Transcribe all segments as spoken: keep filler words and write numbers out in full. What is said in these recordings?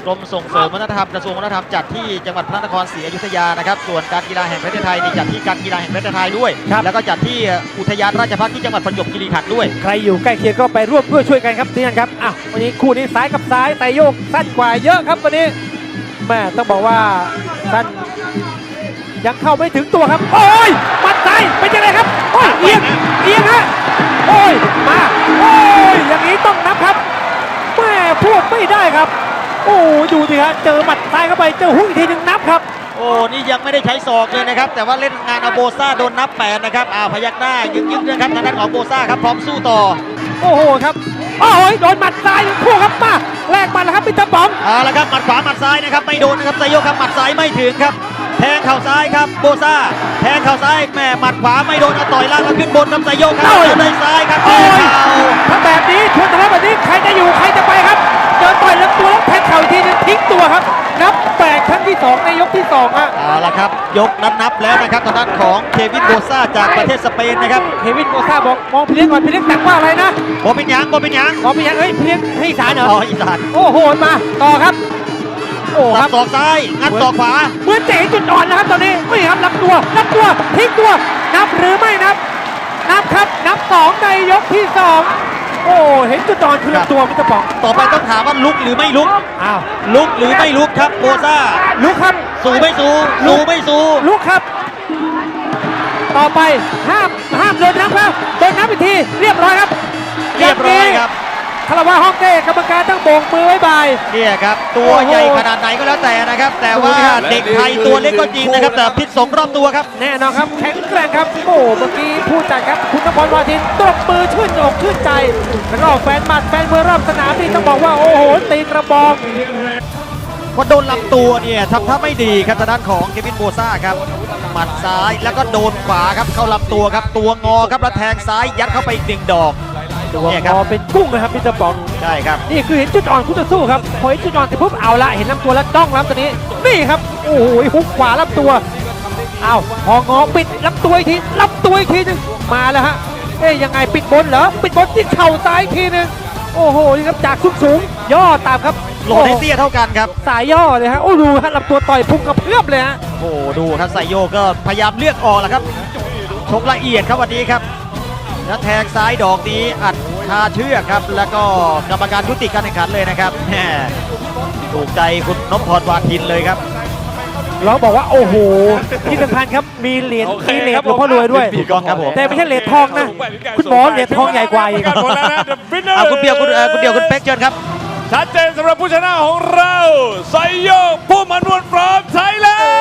กรมส่งเสริมวัฒนธรรมกระทรวงวัฒนธรรมจัดที่จังหวัดพระนครศรีอยุธยานะครับส่วนการกีฬาแห่งประเทศไทยนี่จัดที่การกีฬาแห่งประเทศไทยด้วยแล้วก็จัดที่อุทยานราชภัฏที่จังหวัดประจวบคีรีขันธ์ด้วยใครอยู่ใกล้เคียงก็ไปร่วมด้วยช่วยกันครับที่นั่นครับอ่ะวันนี้คู่นี้ซ้ายกับซ้ายแต่โยกสั้นกว่าเยอะครับวันนี้แม่ต้องบอกว่าสั้นยังเข้าไม่ถึงตัวครับโอ้ยมัดซ้ายเป็นยังไงครับโอ้ยเอียงเอียงฮะโอ้ยมาโอ้ยอย่างนี้ต้องนับครับแม่พูดไม่ได้ครับโอ้ดูสิฮะเจอหมัดซ้ายเข้าไปเจอหุ้ยทีหนึ่งนับครับโอ้นี่ยังไม่ได้ใช้ศอกเลยนะครับแต่ว่าเล่นงานเอาโบซ่าโดนนับแปดนะครับอ้าวพยักหน้ายึกยึกนะครับทางด้านของโบซ่าครับพร้อมสู้ต่อโอ้โหครับโอ้ยโดนหมัดซ้ายคู่ครับมาแลกหมัดแล้วครับมิสเตอร์ป๋องเอาละครับหมัดขวาหมัดซ้ายนะครับไม่โดนนะครับไซโยกครับหมัดซ้ายไม่ถึงครับแทงเข่าซ้ายครับโบซ่าแทงเข่าซ้ายแม่หมัดขวาไม่โดนเอาต่อยล่างแล้วขึ้นบนครับไซโยกครับเลยซ้ายครับแทงเข่าถ้าแบบนี้ชวนทะเลาะแบบนี้ใครจะอยู่ใครจะไปครับเจอต่อยแล้วตัวแล้วแทงเข่าทีนึงทิ้งตัวครับนับแปดครั้งที่สองในยกที่สองอ่ะเอาละครับยกนับนับแล้วนะครับทางด้านของเควินโบซ่าจากประเทศสเปนนะครับเควินโบซ่าบอกมองพี่เลี้ยงก่อนพี่เลี้ยงแต่งว่าอะไรนะโบเป็นยังโบเป็นยังมองเป็นยังเฮ้ยพี่เลี้ยงให้อีสานเหรออ๋ออีสานโอ้โหมาต่อครับโอ้ครับศอกซ้ายงัดศอกขวาเหมือนเจ๋จุดอ่อนนะครับตอนนี้ไม่ครับรับตัวรับตัวทิ้งตัวนับหรือไม่นับนับครับนับสองในยกที่สองโอ้เห็นจุดอ่อนคือลำตัวมิสเตอร์ป๋องต่อไปต้องถามว่าลุกหรือไม่ลุกอ้าวลุกหรือไม่ลุกครับโบซ่าลุกครับสู้ไม่สู้สู้ไม่สู้ลุกครับต่อไปห้ามห้ามโดนนับครับโดนนับอีกทีเรียบร้อยครับเรียบร้อยครับคารวะฮ่องเต้กรรมการต้องโบกมือไว้บายเนี่ยครับตัวใหญ่ขนาดไหนก็แล้วแต่นะครับแต่ว่าเด็กไทยตัวเล็กก็จริงนะครับแต่พิษสงรอบตัวครับแน่นอนครับแข็งแกร่งครับโอ้เมื่อกี้ผู้จัดครับคุณนพรวาทินตบมือชื่นอกชื่นใจแล้วก็แฟนหมัดแฟนมวยรอบสนามนี่ต้องบอกว่าโอ้โหตีกระบอกพอโดนลำตัวเนี่ยทำท่าไม่ดีครับทางด้านของเควินโบซ่าครับหมัดซ้ายแล้วก็โดนขวาครับเข้าลำตัวครับตัวงอครับแล้วแทงซ้ายยัดเข้าไปอีกหนึ่งดอกตัวงอเป็นกุ้งนะครับพี่จะบอกใช่ครับนี่คือเห็นจุดอ่อนคู่ต่อสู้ครับพอเห็นจุดอ่อนเสร็จปุ๊บเอาละเห็นลำตัวแล้วจ้องลำตัวนี้นี่ครับโอ้โหฮุกขวาลำตัวเอาพองอปิดลำตัวอีกทีลำตัวอีกทีนึงมาแล้วฮะเอ๊ยยังไงปิดบนเหรอปิดบนที่เข่าซ้ายอีกทีนึงโอ้โหนี่ครับจากสูงสูงย่อตามครับโหลดให้เตี้ยเท่ากันครับสายย่อเลยฮะโอ้ดูฮะลำตัวต่อยพุ่งกระเพื่อมเลยฮะโอ้ดูครับไซโยก็พยายามเลือกออกแหละครับชกละเอียดครับวันนี้ครับแล้วแทงซ้ายดอกนี้อัดคาเชือกครับแล้วก็กรรมการยุติการแข่งขันเลยนะครับแหมถูกใจคุณนพพรวาทินเลยครับเราบอกว่าโอ้โหที่สำคัญครับมีเหรียญมีเหรียญหลวงพ่อรวยด้วยถูกต้องครับผมแต่ไม่ใช่เหรียญทองนะคุณหมอเหรียญทองใหญ่กว่าอีกเอาคุณเปียวคุณคุณเดียวคุณเป๊กเชิญครับชัดเจนสำหรับผู้ชนะของเราไซโยกผู้มันวนฟรอมไทยแลน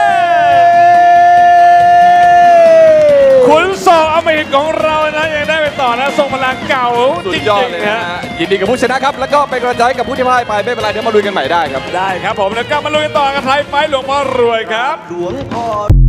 ด์ขุนศอกอมหิตของเรานะยังได้ไปต่อนะทรงพลังเก่าจริงๆนะยินดีกับผู้ชนะครับแล้วก็เป็นกำลังใจกับผู้ที่พ่ายไปไม่เป็นไรเดี๋ยวมาลุยกันใหม่ได้ครับได้ครับผมแล้วก็มาลุยกันต่อกับไทยไฟท์หลวงพ่อรวยครับหลวงพ่อ